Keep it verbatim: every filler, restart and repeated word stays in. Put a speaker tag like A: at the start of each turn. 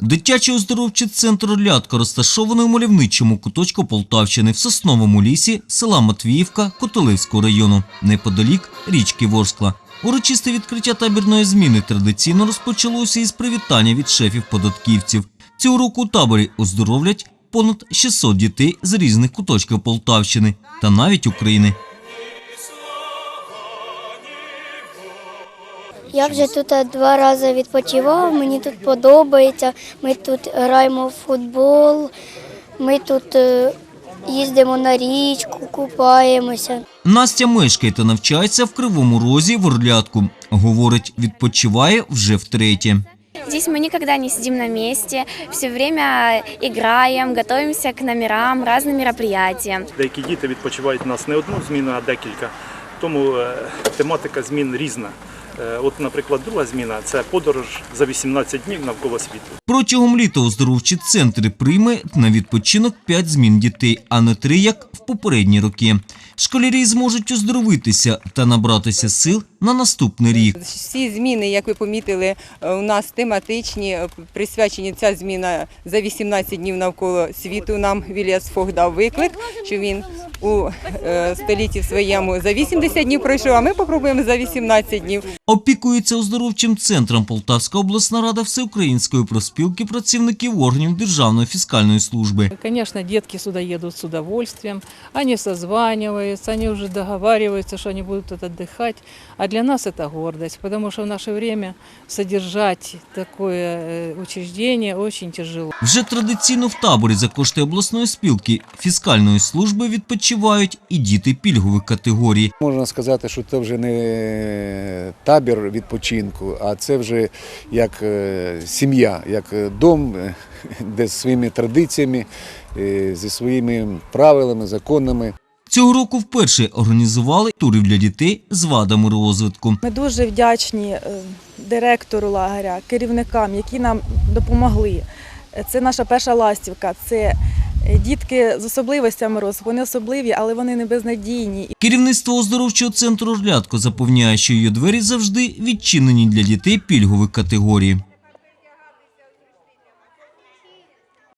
A: Дитячий оздоровчий центр «Орлятко» розташований у мальовничому куточку Полтавщини в Сосновому лісі села Матвіївка Котелевського району, неподалік річки Ворскла. Урочисте відкриття табірної зміни традиційно розпочалося із привітання від шефів-податківців. Цього року у таборі оздоровлять понад шістсот дітей з різних куточків Полтавщини та навіть України.
B: Я вже тут два рази відпочивав, мені тут подобається, ми тут граємо в футбол, ми тут їздимо на річку, купаємося.
A: Настя мешкає та навчається в Кривому Розі в Орлятку. Говорить, відпочиває вже втретє.
C: Здесь мы никогда не сидим на месте, все время играем, готовимся к номерам, разным мероприятиям.
D: Деякі діти відпочивають у нас не одну зміну, а декілька, тому тематика змін різна. От, наприклад, друга зміна – це подорож за вісімнадцять днів навколо світу.
A: Протягом літа оздоровчі центри прийме на відпочинок п'ять змін дітей, а не три, як в попередні роки. Школярі зможуть оздоровитися та набратися сил на наступний рік.
E: Всі зміни, як ви помітили, у нас тематичні, присвячені ця зміна за вісімнадцять днів навколо світу. Нам Вільяс Фог дав виклик, що він у столітті своєму за вісімдесят днів пройшов, а ми спробуємо за вісімнадцять днів.
A: Опікується оздоровчим центром Полтавська обласна рада Всеукраїнської профспілки працівників органів Державної фіскальної служби.
F: Конечно, детки сюда едут с удовольствием, они созваниваются, они уже договариваются, что они будут тут отдыхать. А для нас это гордость, потому что в наше время содержать такое учреждение очень тяжело.
A: Вже традиційно в таборі за кошти обласної спілки фіскальної служби відпочивають і діти пільгових категорій.
G: Можна сказати, що це вже не табір відпочинку, а це вже як сім'я, як дом, де зі своїми традиціями, зі своїми правилами, законами.
A: Цього року вперше організували тури для дітей з вадами розвитку.
H: Ми дуже вдячні директору лагеря, керівникам, які нам допомогли. Це наша перша ластівка, це дітки з особливостями розвитку. Вони особливі, але вони не безнадійні.
A: Керівництво оздоровчого центру «Орлятко» запевняє, що її двері завжди відчинені для дітей пільгових категорій.